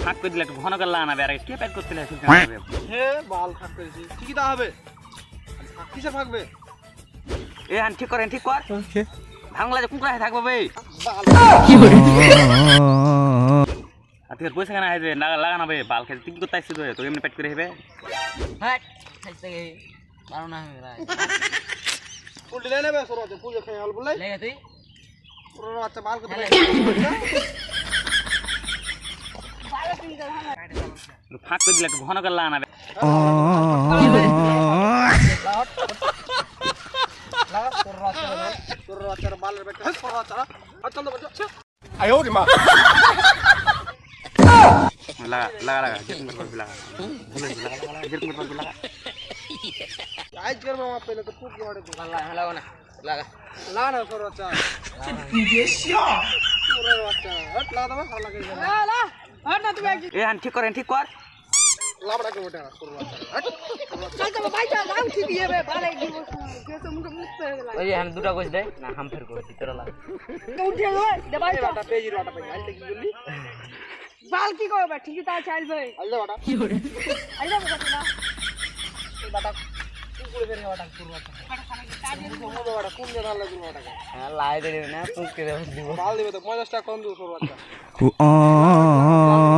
ফাঁক করে দিলে একটু ঘন করে লাগাবে আর কে প্যাক করতে লাগে হে বাল ফাঁক করেছি ঠিকই তা হবে কিসে ফাঁকবে এ হান ঠিক করেন ঠিক কর ভাঙলা যে কুকুরা থাকবো ভাই আজকে পয়সা কেনা হবে লাগানো ভাই বাল খেতে তুই কি করতে আসছিস তো এমনি প্যাক করে হবে হ্যাঁ খাইতে গে পারো না আমি রাই উল্টে লে নেবে সরো পুজো খেয়ে হল বলে লেগে তুই পুরো আচ্ছা বাল করতে ফাঁক করে দিলে একটু ঘন করে লাগাবে তোর আচ্ছা বালের ব্যাগ সরো আচ্ছা চল তো বলছো লাগা লাগা লাগা যেরকম করবি লাগা ভুলে লাগা যেরকম করবি লাগা আজ করবো আমার পেলে তো খুব বড় তো লাগা না লাগা লা না সরো আচ্ছা পুরো আচ্ছা হট লা দাও ভালো লাগে লা হট না তুমি এ হান ঠিক করেন ঠিক কর লাবড়া কে ওটা সরো আচ্ছা চল তো ভাই চল আউ ঠিক হবে ভালো দিব কে তো মুখে মুখতে গেল ওই হ্যাঁ দুটো কইছ দে না হাম ফের করছি তোরা লাগা উঠে গেল দে ভাই বাটা পেজি বাটা পেজি আইতে কি বললি বাল কি করবে ঠিকই তা চাইল ভাই আইলে বাটা আইলে বলছ না এই বাটা কুকুরে ফেরে বাটা করব আচ্ছা বাটা কোন জায়গা লাগবে বাটা হ্যাঁ লাই দে না তুই কে দিব বাল দিবে তো 50 টাকা কম দিও সরো আচ্ছা